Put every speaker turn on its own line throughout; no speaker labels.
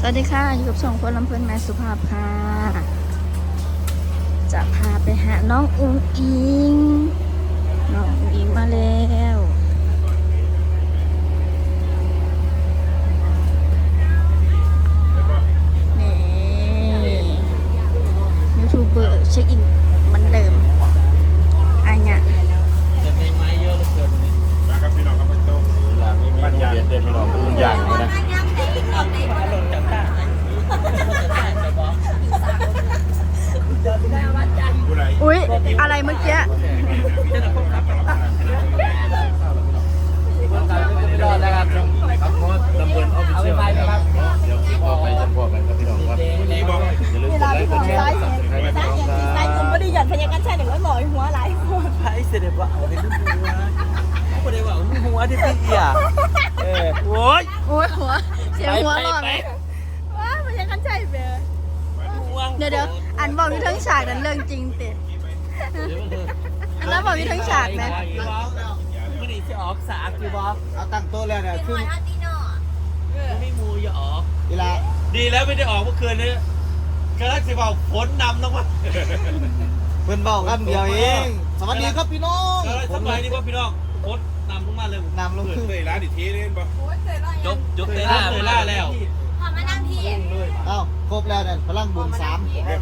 สวัสดีค่ะอยู่กับ2 คนลำเพลินแม่สุภาพค่ะจะพาไปหาน้องอุ๋งอิงมาแล้วนี่ยูทูบเบอร์เช็คอินเหมือนเดิมอันเนี้ย
จะมีไม้เยอะเหลือเกินนี่ครับพี่น้องครับพี่โต้หลังนี้มีโรงเรียนเด็กพี่น้องทุกอย่างเลยนะหล่นจากตา
อุ๊ยอะไรเมื่อกี้
รอดแล้วครับครับเพราะตำบลออฟฟิเชียลนะครับเดี๋ยวพี่บอกไปจะบอกกันครับพี่น้องครับนี่บอกอย่าลืมกดไลค์กดแชร์กดซับสไครต์ให้พี่น้องครับ
นายผมไม่ได้หย่อนพยัญชนะใช่หนึ่งร้อยหน่อยหัวไหลหัว
ไอ้เสด็จว่าเอาไปนุ่งหัวเขาไม่ได้ว่านุ่งหัวที่พี่อ่ะโอ้ย
โอ้ยหัวเสียงหัวหลอน
ว้าพยัญชนะใช่เบอร์
เดี๋ยวอันบอกอยู่ทั้งฉากนั้นเรื่องจริงติแล้วบอกอยู่ทั้งฉากนะ
ไม่ได้จะออกสากคือบอส
เอาตั้งโต๊ะแล้วเนี่ยคือ
ไม่มูอย่าออก
เวลา
ดีแล้วไม่ได้ออกเมื่อคืนนี้กระลักสิบอกฝนนำนะวะ
เพิ่นบอกกันเดียวเอง สวัสดีครับพี่น้อง
กระลักสบายดีป่ะพี่น้องฝนนำลงมาเลย
นำลงขึ้น
เลยร้านอีกทีนึงป่ะ
ยกเตล่าแล้ว
พอมานั่งที่
เอ้าครบแล้วเนี่ยพลังบุญ3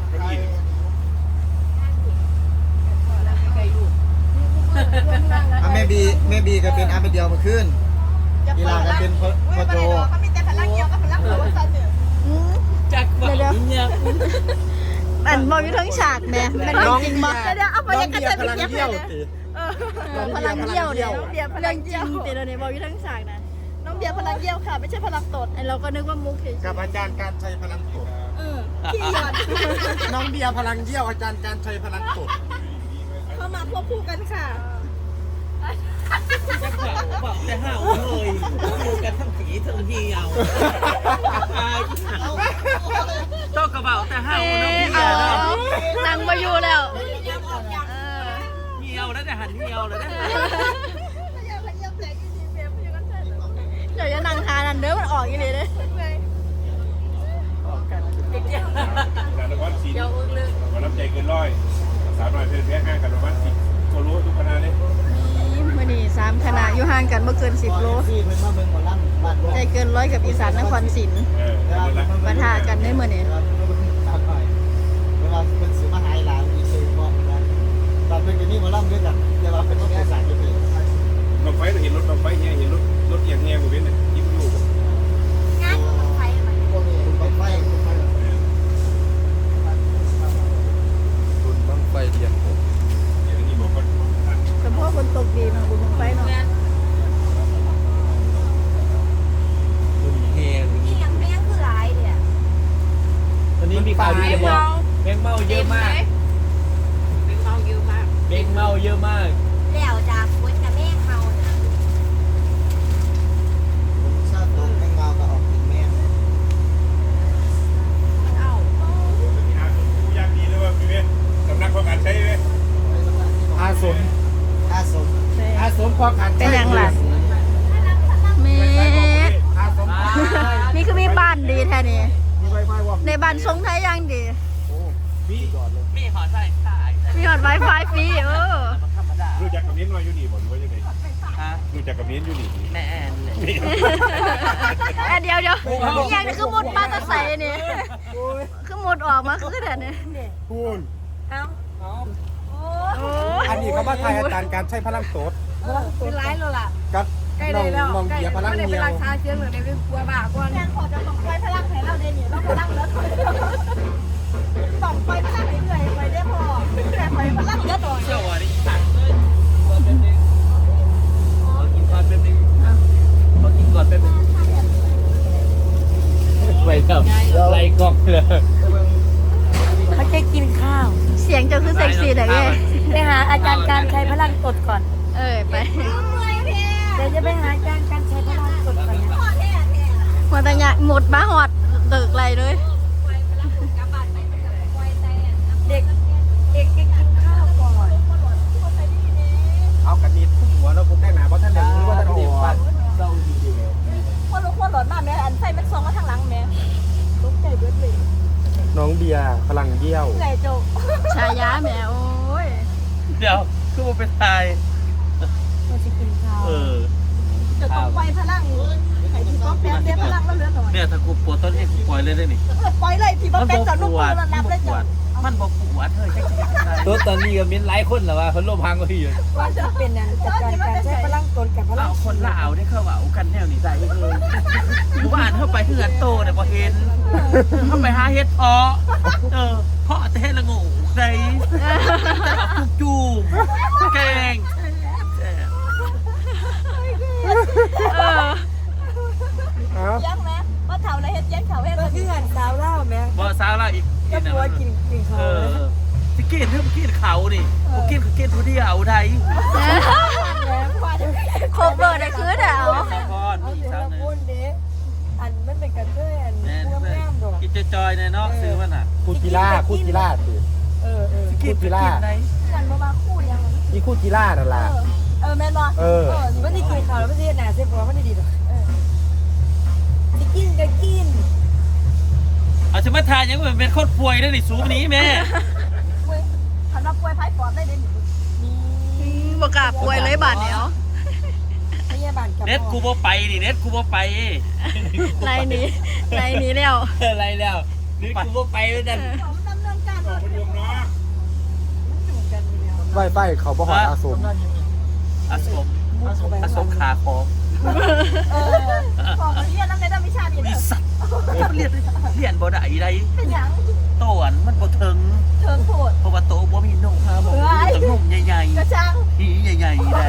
แม่บีก็เป็นอันเป็นเดียวมาขึ้นกีฬาก็เป็นพ่อโจ
เขามีแต่พลังเดียวกับพลังหัวสั่นเนี่ย
จักรวาลเนี่ย
อันบอกอยู่ทั้งฉากแม่เป็นเรื่องจริงมั้ย
เดี๋ยวเอาพยัญชนะไปเก็บเลย
พลังเยี่ยวเดียวเรื่องจริงติเราเนี่ยบอกอยู่ทั้งฉากนะ
น้องเบียร์พลังเยี่ยวค่ะไม่ใช่พลังตด
ไอเราก็นึกว่ามุกเฉย
กับอาจารย์การชัยพลังตด
ขี้หยอด
น้องเบียร์พลังเยี่ยวอาจารย์การชัยพลังตด
เข้ามาควบคู่กันค่ะ
จักรวาลบอกแต่ห้าวเลยอยู่กันทั้งผีทั้งเหี่ยวเจ้ากระเป๋าแต่ห้าวน้องเหี่
เอา
ยวนะ
นั่งมาอยู่แล้ว
เหี่ยวแล้วแต่หันเหี่ยวแล้วนะ
เดี๋ยวจะนั่งทานอันเด้อมันออกอีเลยเด้
แต่ละวันสี่วันน้ำใจเกินร้อย300เพื่อนแพ้ห้างกันประมาณ10ก็รู้ทุกคณะเลย
นี่มื่อนี้3 คณะอยู่ห่างกันเมื่อเกิน10 โล
ซี่เพิ่นมาเบิ่งหมอลำบ้าน
ใจเกิน100กับอีสานนครศรี ปะทะกันได้มื้อนี้
เวลาเพิ่นสิมาหาหลานอีกเลยก็นะตอนเพิ่นก็มีหมอลำด้วยกันแต่ว่าเป็นภาษาอยู่นี่
ลงไฟเราเห็นรถลงไฟเงี้ยเห็นรถเอียงเงี้ยบริเวณเนี่ยยิ้มอยู่
งานไฟมัน
พวกนี้บังไฟ
คุณต้องไปเรียนผม
อย่างนี้บอกว่า
แต่พ่อคนตกดีเนาะบุญบังไฟเนาะ
คุณเฮง
ที่ยังไม่ยังคือร้ายเนี่ย
วันนี้มีข่าวดีจะบอกแบงเมาเยอะมากแบงเมาเยอะมาก
แล้วจากคนกับแม่เขานะ
ผมทราบตัวแมงดาก็ออกกินแม่ง
มันเอา
มีอาสุผู้ยากดีเลยว่าพี่เว้ยสำนักของการใช้เว้ย
อาสมอาสมพอขัน
เป็นหยังล่ะแม่
อาสม
นี่คือมีบ้านดีแท้นี่
มีไวไฟวะ
ในบ้านทรงไทยยังดี
มีขอใส่สาย
มีหอด Wi-Fi ฟรี
ธรรมดา
รู้จักกับนิ้นมาอยู่นี่บอกหรือว่ายังไง
ฮะ
รู้จักกับนิ้นอยู่นี่
แม่แอนเลย
เดี๋ยวยังคือมุดมาตะใส่นี่คือมุดออกมาคือแต่เนี่ย
คุณ
อันนี้เขามาถ่ายอาจารย์
การใช้พลังโสด
เป็นร้ายแล้วล่ะ
กับ
ใกล้เลยแล้ว
น้องเบียร์พลัง
ไม่ได้
เมี
เป็น
ยว
ราคาเชื่อเหมือนในเป็นกลัวบ้ากวนแทนขอจะส่งไฟพลังให้เราเดนี่เราพลังแล้วส่งไฟพลังให้เหนื่อยไปได้พอแต่ไฟพลังเยอะต่อ
เชื่อว่านี่ตัดเลยก่อนแป๊บนึงขอกินก่อนแป๊บนึงขอกินก่อนแป๊บนึงไปครับไล่กล้องเลย
เขาจะกินข้าว
เสียงเจ้าคือเซ็กซี่แต่ไง
ไปหาอาจารย์การใช้พลังกดก่อน
ไป
เดี๋ยวจะไปหาอาจารย์การใช้พลังกดก่อนนะ
มาแต่เนี่ยหมดบ้าหอดเติกไรเลย
เด็กกินข้าวก่อน
เอากระดิ่งทุ่มหัวแล้วผมได้หนาเพราะท่านเด็กรู้ว่าท่านเด็กฟัน
เศร้าจริงๆเลย
คนหลอดมากแม่อันไฟมันซองมาทางหลังแม่
องเบียร์พลังเบี้ยว
เหนื่อยจุก
ชายาแหมโอ้ย
เดี๋ยวคือมันเป็นตาย
มันจะกินข้าว
เออ
จะต้องปล่อยพลังไอ้ที่ป้อมแปมเดี๋ยวพลังแล้วเหลือหน่อย
เนี่ยถ้ากูปวดต้นเอ็กปล่อยเลยได้นี่
ปล่อยเลยพี่ป้อมแปมจะนุ่มแล้วรับเลยจ้ะ
มันบอกปวดเฮ้ยจังไง
ตัวตอนนี้ก็มีหลายคนแล้วว่าเพิ่นลมพังก็อยู่
ว่าจะเป็นนั้นจัดการการใช้พลังตนกับพลั
เอา
ง
คนลาวได้เข้าว่าเอากันแนวนี้ได้เลยหมู่บ้านเข้าไปเฮือนโตเนี่ยพอเห็นเข้าไปหาเฮ็ดเพาะเพาะแต่ละงูได้แต่เอาจุ่มแกง
ยังไหมว่าเท่าไรเฮ็ดยังเท่าเฮ็ดก็คือหันสาวเล่าแม่
บ่สาวลาวอีก
ก็ปัวกินเขา
ที่กินเท่ากินเขานี่กินคือกินผู้เดียวไทย
โคเบอร์ได้คือเดี๋ยว
สาวพร
เอา
อีก
เดี๋ยว
สาว
เรา
นึง
พูดเด้อันมันเป็นกันเพื่อน
แน่
พวกแม่ดอก
กินจอยๆเนี่ยเนาะซื้อมันอ่ะ
คูจิล่าสิ
กินกีฬา
กันมาคู่ยัง
มีคูจิล่านั่นล่ะ
แม่นบ่มันได้กินข้าวแล้วมันได้หนาเสียบมันได้ดีดอกสิกินก็กิน
เอาจะมาทานยังเป็นคนป่วยได้นี่สูงนี้แม่
คันว่าป่วยไผปอดได้เด่น
บกล้าป่วยเลยบาดเดียว
พยาบาลกับ
เน็ตกูบ่ไปนี่เน็ตกูบ่ไป
ไรนี้แล้ว
อะไรแล้วนี่กูบ่ไปแล้วนั่น
ดำเนินการ
คนยมเนาะ
ไฟเขาบ่หอดอาสม
อาสมขาของ
ของเรียนน้ำในด้านวิชาดี
บริษัทเรียนบ่ได้ใด
เป็นหยัง
โตอันมันบ่ถึง
เทิงโผด
เพราะว่าโตบ่มีนมต้องนมใหญ่
กระชัง
ๆหีใหญ่ๆได้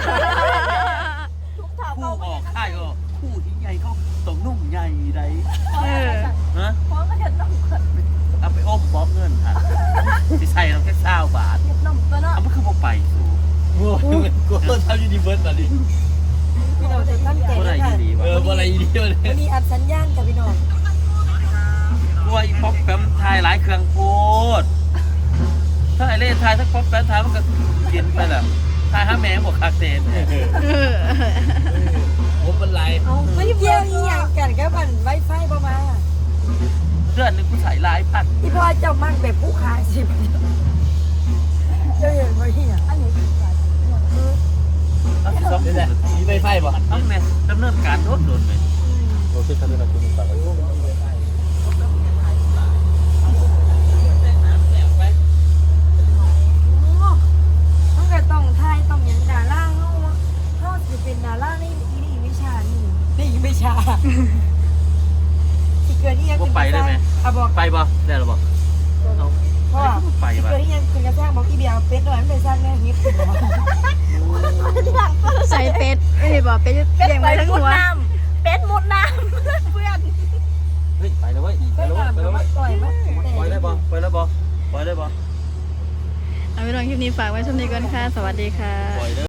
ทุกถาว
คู่ออกค่ายก็คู่หีใหญ่เขาต้องนุ่มใหญ่ได้ ฮะ
พร้อมก็เห็ดนมก่อน
เอาไปอมบ่เงินค่ะสิใส่เราแค่20บาท
เห็ดนมตัวเนาะ
เอามันคือบ่ไปสู่
กูทำยูนิเวิร์สตอนนี้
พี่น้องจะตั้งใจ
บ่ได้
ค่ะ
ดีวะ
บ่อะไรดีเลย
วันนี้อัดสัญญาณกับพี่น้อง
กลัวอีป๊อปแปมทายหลายเครื่องโพดถ้าไอเล่ทายสักป๊อปแปมทายมันก็กินไปแหละทายหาแมงบอกคาเตน
ผมเป็นไร
เอาไม่เกี่ยวอีหยังกันกับอันไวไฟบ่มา
เดือนหนึงกูใส่หลายพัน
ที่พ่อเจ้ามั่งแบบผู้ขายสิเจ้าเห็นบ่เหี้ยอันนี้
เอาสิซ้อม
นี่แหละมีไฟป่ะ
ต้องเนี่ยดำเนินการโดนไหม
โอเคครับนี่นะคุณฝากไว้
ต้องก็ต้องทายต้องอย่างดาราเฮาสิเป็นดาราในอีวิชานี่ในอีวิชาสิเกิดอีหยัง
ว่าไปได้ไหม
อ่ะบอก
ไปบ่ได้หรอบ่เอา
พ่อ
ไป
สิ
บ่
เกิดอีหยังคือกระสร้างบอกอีเบียเป็ดหน่อยมันไปสร้างแน่ฮิต
ใส่เป็ดไม่ได้บอกเป็ดเลี้ยงไว้ทั้งหัว
เป็ดมุดน้ำเพื่อน
เฮ้ยไปแล้วเว้ยไป
เป็ด
แล้วเว้ยไป
น้ำ
แล้ว
มา
เว้ย
ปล่อยมา
ปล่อยได้บ่ปล่อยแล้วบ่ปล่อยได้บ่
เอาไปลองคลิปนี้ฝากไว้ช่วงนี้ก่อนค่ะ สวัสดีค่ะ
ปล่อยเด้อ